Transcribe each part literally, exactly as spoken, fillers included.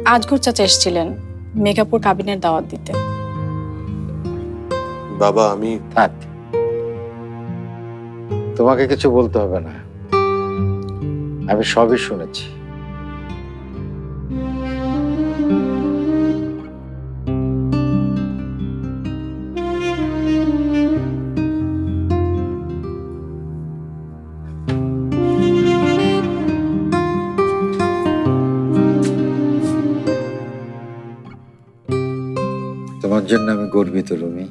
আজগর চাচা এসেছিলেন মেঘাপুর কাবিনের দাওয়াত দিতে। বাবা আমি থাক, তোমাকে কিছু বলতে হবে না, আমি সবই শুনেছি। তোমার জন্য আমি গর্বিত রুমি।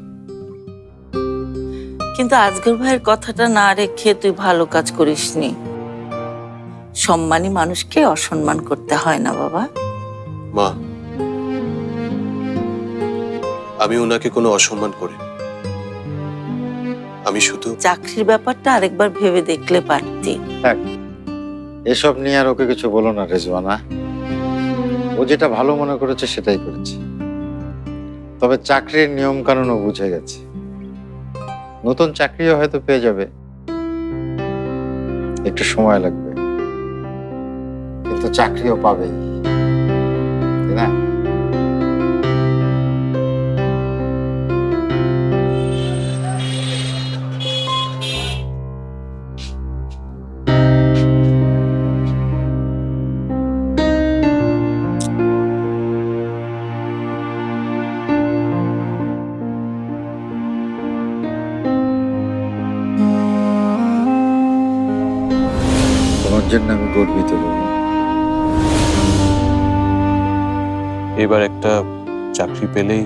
কিন্তু আজগর ভাইয়ের কথাটা না রেখে তুই ভালো কাজ করিসনি। সম্মানী মানুষকে অসম্মান করতে হয় না বাবা। মা, আমি ওনাকে কোনো অসম্মান করি, আমি শুধু চাকরির ব্যাপারটা আরেকবার ভেবে দেখলে পারতি। থাক, এসব নিয়ে আর ওকে কিছু বলো না রেজওয়ানা। ও যেটা ভালো মনে করেছে সেটাই করেছে। তবে চাকরির নিয়ম কানুন ও বুঝে গেছে, নতুন চাকরিও হয়তো পেয়ে যাবে, একটু সময় লাগবে, কিন্তু চাকরিও পাবেই, তাই না? তোমার জন্য আমি গর্বিত রুমি। এবার একটা চাকরি পেলেই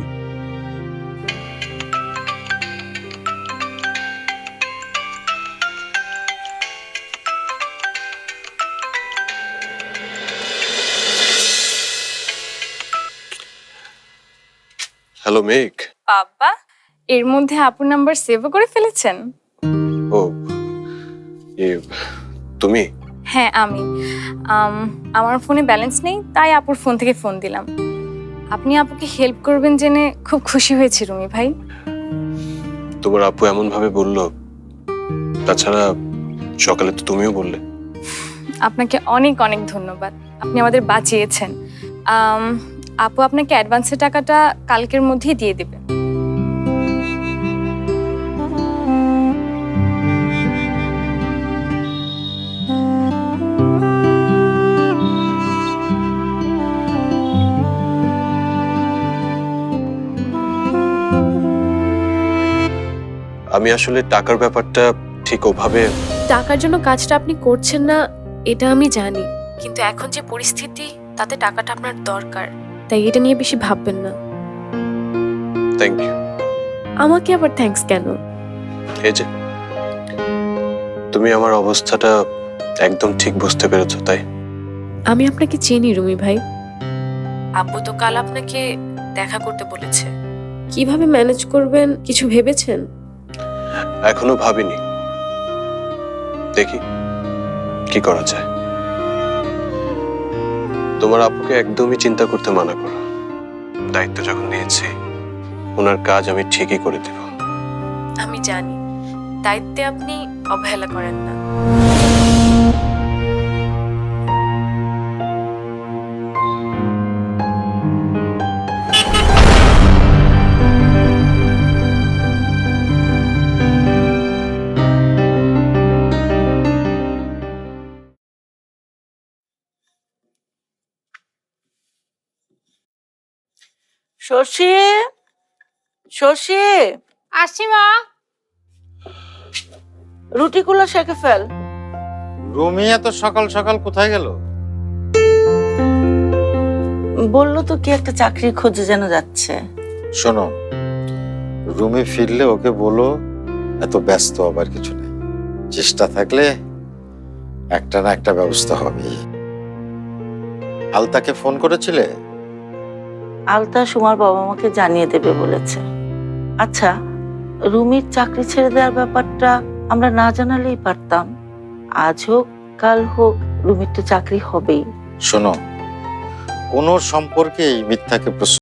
হ্যালো মেঘ। বাবা, এর মধ্যে আপুর নাম্বার সেভ করে ফেলেছেন? ও এ তুমি? হ্যাঁ আমি। আম, আমার ফোনে ব্যালেন্স নেই, তাই আপুর ফোন থেকে ফোন দিলাম। আপনি আপুকে হেল্প করবেন জেনে খুব খুশি হয়েছি রুমি ভাই। তোমার আপু এমন ভাবে বললো, তাছাড়া সকালে তো তুমিও বললে। আপনাকে অনেক অনেক ধন্যবাদ, আপনি আমাদের বাঁচিয়েছেন। আম, আপু আপনাকে অ্যাডভান্সের টাকাটা কালকের মধ্যেই দিয়ে দেবে। আমি আসলে টাকার ব্যাপারটা ঠিক ওভাবে। টাকার জন্য কাজটা আপনি করছেন না এটা আমি জানি, কিন্তু এখন যে পরিস্থিতি তাতে টাকাটা আপনার দরকার, তাই এটা নিয়ে বেশি ভাববেন না। Thank you. আমাকে আবার থ্যাঙ্কস কেন? এই যে তুমি আমার অবস্থাটা একদম ঠিক বুঝতে পেরেছো, তাই। আমি আপনাকে চিনি রুমি ভাই। আব্বু তো কাল আপনাকে দেখা করতে বলেছে, কিভাবে ম্যানেজ করবেন কিছু ভেবেছেন? এখনো ভাবিনি, দেখি কি করা যায়। তোমার আপুকে একদমই চিন্তা করতে মানা করো, দায়িত্ব যখন নিয়েছি ওনার কাজ আমি ঠিকই করে দেব। আমি জানি দায়িত্বে আপনি অবহেলা করেন না। শশী, শশী, আসছি মা। রুটিগুলো সেঁকে ফেল। রুমি এত সকাল সকাল কোথায় গেল? বললো তো কি একটা চাকরির খোঁজে যেন যাচ্ছে। শোনো, রুমি ফিরলে ওকে বলো এত ব্যস্ত হবার কিছু নেই, চেষ্টা থাকলে একটা না একটা ব্যবস্থা হবে। আলতাকে ফোন করেছিলে? আলতা সুমার বাবা মাকে জানিয়ে দেবে বলেছে। আচ্ছা, রুমির চাকরি ছেড়ে দেওয়ার ব্যাপারটা আমরা না জানালেই পারতাম। আজ হোক কাল হোক রুমির তো চাকরি হবেই। শোনো, কোনো সম্পর্কেই মিথ্যাকে